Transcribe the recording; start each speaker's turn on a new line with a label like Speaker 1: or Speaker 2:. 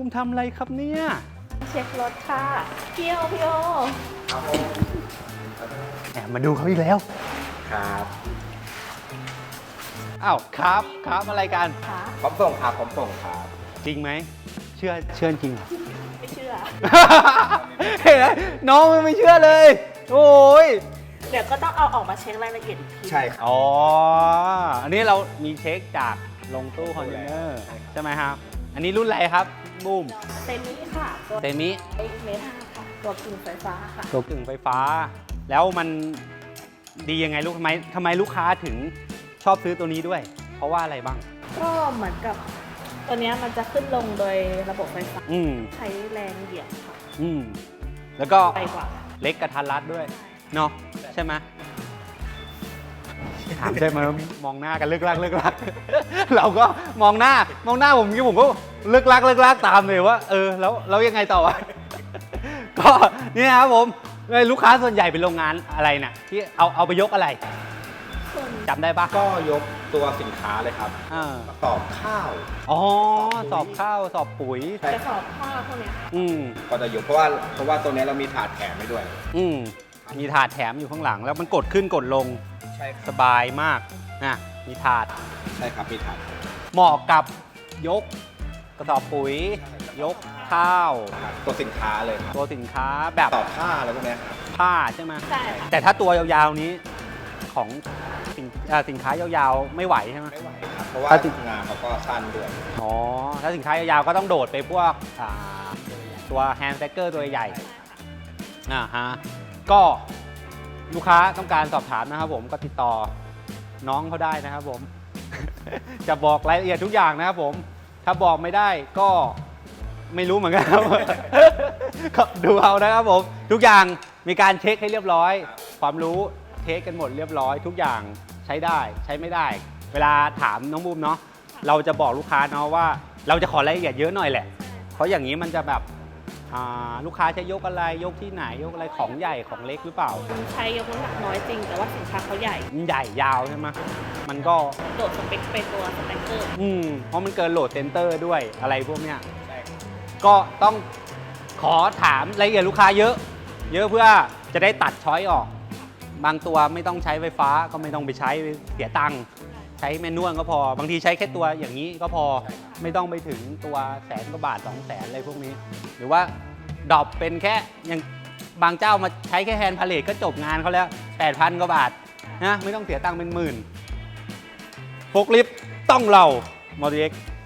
Speaker 1: มทำอะไรครับเนี่ย
Speaker 2: เช็ครถค่ะพี่โอ
Speaker 3: ครับผม
Speaker 1: แอบมาดูเขาอีกแล้ว
Speaker 3: ครับ
Speaker 1: อ้าวครับอะไรกัน
Speaker 2: ค่ะ
Speaker 3: พร้อมส่งครับพร้อมส่งครับ
Speaker 1: จริงไหมเชื่อจริงเหรอ
Speaker 2: ไม่เชื่อ
Speaker 1: เห็นไหมน้องมันไม่เชื่อเลย โอ้ย
Speaker 2: เดี๋ยวก็ต้องเอาออกมาเช็ครายละเอียดอีกที
Speaker 3: ใช่ครับ
Speaker 1: อ๋ออันนี้เรามีเช็คจากลงตู้คอนเทนเนอร์ใช่ไหมครับ อันนี้รุ่นอะไรครับบูม
Speaker 2: เซมิค่ะตัว
Speaker 1: เซมิ
Speaker 2: เมทาค่ะตัวกึ่งไฟฟ้าค่ะ
Speaker 1: ตัวกึ่งไฟฟ้า แล้วมันดียังไงลูกทำไมลูกค้าถึงชอบซื้อตัวนี้ด้วย เพราะว่าอะไรบ้าง
Speaker 2: ก็เหมือนกับตัวเนี้ยมันจะขึ้นลงโดยระบบไฟฟ้า
Speaker 1: อืม
Speaker 2: ใช้แรงเหยียบค่ะ
Speaker 1: อืมแล้วก็
Speaker 2: ไปกว่า
Speaker 1: เล็กกระทัดรัดด้วยเนาะใช่ไหมถามใช่ไหมมองหน้ากันเลิกลัก เราก็มองหน้าผมก็เลิกลักตามเลยว่าแล้วยังไงต่อวะ ก็นี่นะครับผมลูกค้าส่วนใหญ่เป็นโรงงานอะไรน่ะที่เอาไปยกอะไร
Speaker 2: ส่วน
Speaker 1: จำได้ปะ
Speaker 3: ก็ยกตัวสินค้าเลยครับ
Speaker 1: อ่า
Speaker 3: สอบข้าว
Speaker 1: อ๋อสอบข้าวสอบปุ๋ย
Speaker 3: ใช่
Speaker 2: จะสอบข้าวพวกเนี้ยค่ะ
Speaker 1: อืม
Speaker 3: ก็จะยกเพราะว่าตัวนี้เรามีถาดแถมให้ด้วย
Speaker 1: อืมมีถาดแถมอยู่ข้างหลัง แล้วมันกดขึ้นกดลง
Speaker 3: ใช่ค
Speaker 1: ส
Speaker 3: รับบ
Speaker 1: ายมากนะมีถาด
Speaker 3: ใช่ครับมีถาด
Speaker 1: เหมาะกับยกกระสอบปุ๋ย ยกข้าว
Speaker 3: ตัวสินค้าเลยครับ
Speaker 1: ตัวสินค้าแบบ
Speaker 3: ต่อผ้าอะไรพวกเนี้ยครับ
Speaker 1: ผ้าใช่ไหม
Speaker 2: ใช่ค่ะ
Speaker 1: แต่ถ้าตัวยาวๆนี้ของสินค้ายาวๆไม่ไหวใช่ไหม
Speaker 3: ไม่ไหวครับเพราะว่า
Speaker 1: ถ้าติด
Speaker 3: งานเขาก็สั้นด้วย
Speaker 1: อ๋อถ้าสินค้ายาวๆก็ต้องโดดไปพวกตัวแฮนด์แซกเกอร์ตัวใหญ่ฮะก็ลูกค้าต้องการสอบถามนะครับผมก็ติดต่อน้องเขาได้นะครับผม จะบอกรายละเอียดทุกอย่างนะครับผมถ้าบอกไม่ได้ก็ไม่รู้เหมือนกันครับ ก็ดูเอานะครับผมทุกอย่างมีการเช็คให้เรียบร้อย ความรู้เทคกันหมดเรียบร้อย ทุกอย่างใช้ได้ใช้ไม่ได้ เวลาถามน้องบูมเนาะเราจะบอกลูกค้าเนาะว่าเราจะขอรายละเอียดเยอะหน่อยแหละเพราะอย่างนี้มันจะแบบลูกค้าจะยกอะไรยกที่ไหนยกอะไรของใหญ่ของเล็กหรือเปล่า
Speaker 2: ใช้ยกน้ำหนักน้อยจริง แต่ว่าสินค้าเขาใหญ่
Speaker 1: มันใหญ่ยาวใช่ไหมมันก็
Speaker 2: โดดสเปคไปตัวสแต็กเกอร์
Speaker 1: เพราะมันเกินโหลดเซนเตอร์ด้วยอะไรพวกเนี้ย
Speaker 3: ใช่ครับ
Speaker 1: ก็ต้องขอถามรายละเอียดลูกค้าเยอะ เยอะเพื่อจะได้ตัดช้อยออก บางตัวไม่ต้องใช้ไฟฟ้าก็ไม่ต้องไปใช้เสียตังค์ใช้แมนนวลก็พอบางทีใช้แค่ตัวอย่างนี้ก็พอไม่ต้องไปถึงตัว100,000 กว่าบาท 200,000อะไรพวกนี้ หรือว่าดรอปเป็นแค่อย่างบางเจ้ามาใช้แค่แฮนด์พาเลทก็จบงานเขาแล้ว 8,000 กว่าบาทนะไม่ต้องเสียตังค์เป็นหมื่นโฟล์คลิฟต์ต้องเรามอเตอร์เอ็กซ์